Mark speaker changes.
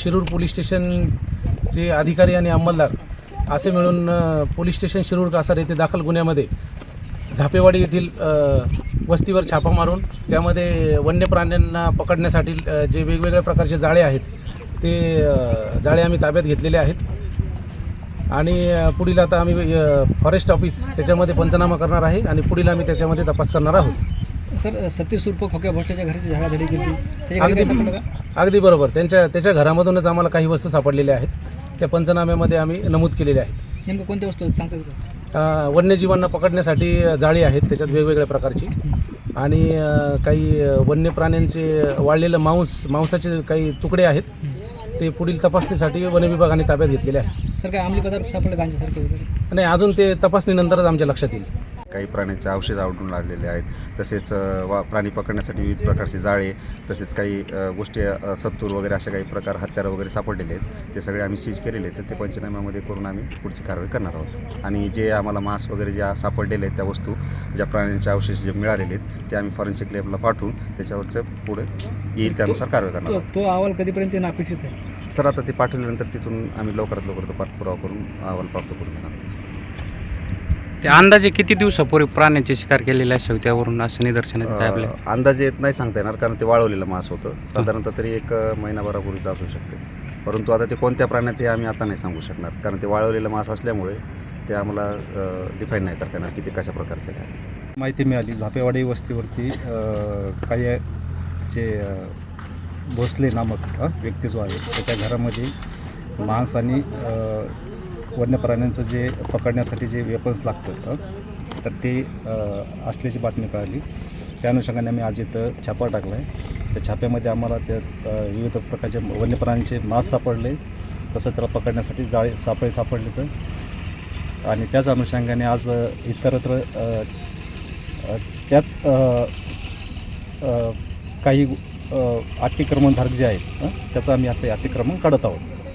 Speaker 1: Shirur police स्टेशनचे अधिकारी आणि अंमलदार असे मिळून पोलीस स्टेशन शिरूर कासार येथे दाखल गुन्ह्यामध्ये झापेवाडी येथील वस्तीवर छापा मारून त्यामध्ये वन्य प्राण्यांना पकडण्यासाठी जे वेगवेगळ्या प्रकारचे जाळे आहेत ते जाळे आम्ही ताब्यात घेतलेले आहेत आणि पुढील आता आम्ही फॉरेस्ट ऑफिस त्याच्यामध्ये पंचनामा करणार आहे आणि पुढील आम्ही त्याच्यामध्ये तपास करणार आहोत.
Speaker 2: सर, सतीश उर्फ खोक्या भोसलेच्या घराची झाडाझडी केली त्याच्या घरी सापडलं का?
Speaker 1: अगदी बरोबर. त्याच्या घरामधूनच आम्हाला काही वस्तू सापडलेल्या आहेत. त्या पंचनाम्यामध्ये आम्ही नमूद केलेल्या आहेत.
Speaker 2: नेमकं कोणत्या वस्तू सांगतात का?
Speaker 1: वन्यजीवांना पकडण्यासाठी जाळी आहेत त्याच्यात वेगवेगळ्या प्रकारची आणि काही वन्य प्राण्यांचे वाळलेलं मांसाचे काही तुकडे आहेत. ते पुढील तपासणीसाठी वन विभागाने ताब्यात घेतलेले आहेत.
Speaker 2: सर, काय अंमली पदार्थ सापडले गांजासारखे वगैरे?
Speaker 1: नाही, अजून ते तपासणीनंतरच आमच्या लक्षात येईल.
Speaker 3: काही प्राण्यांचे अवशेष आढळून आलेले आहेत. तसेच प्राणी पकडण्यासाठी विविध प्रकारचे जाळे, तसेच काही गोष्टी सत्तूर वगैरे अशा काही प्रकार हत्यारं वगैरे सापडलेले आहेत. ते सगळे आम्ही सीज केलेले आहेत. तर ते पंचनाम्यामध्ये करून आम्ही पुढची कारवाई करणार आहोत. आणि जे आम्हाला मांस वगैरे ज्या सापडलेले आहेत त्या वस्तू ज्या प्राण्यांचे अवशेष जे मिळालेले आहेत ते आम्ही फॉरेन्सिक लॅबला पाठवून त्याच्यावरचं पुढे येईल त्यानुसार कारवाई करणार आहोत.
Speaker 2: तो अहवाल कधीपर्यंत नापिठीत आहे?
Speaker 3: सर, आता ते पाठवल्यानंतर तिथून आम्ही लवकरात लवकर तो पाठपुरावा करून अहवाल प्राप्त करून घेणार आहोत.
Speaker 4: ते अंदाजे किती दिवसापूर्वी प्राण्यांची शिकार केलेली असावी त्यावरून असं निदर्शनात येतं आपल्या?
Speaker 3: अंदाजे नाही सांगता येणार, कारण ते वाळवलेलं मांस होतं. साधारणतः तरी 1 महिनाभरापूर्वीच असू शकते. परंतु आता ते कोणत्या प्राण्याचे आम्ही आता नाही सांगू शकणार, कारण ते वाळवलेलं मांस असल्यामुळे ते आम्हाला डिफाईन नाही करता येणार की ते कशा प्रकारचे काय.
Speaker 5: माहिती मिळाली झापेवाडी वस्तीवरती काही जे भोसले नामक व्यक्ती जो आहे त्याच्या घरामध्ये मांस आणि वन्य प्राण्यांचं जे पकडण्यासाठी जे वेपन्स लागतं तर ते असल्याची बातमी कळाली. त्या अनुषंगाने आम्ही आज इथं छापा टाकला आहे. त्या छाप्यामध्ये आम्हाला त्यात विविध प्रकारचे वन्य प्राण्यांचे मांस सापडले, तसं त्याला पकडण्यासाठी जाळे सापडले तर. आणि त्याच अनुषंगाने आज इतरत्र त्याच काही अतिक्रमणधारक जे आहेत त्याचं आम्ही आता अतिक्रमण काढत आहोत.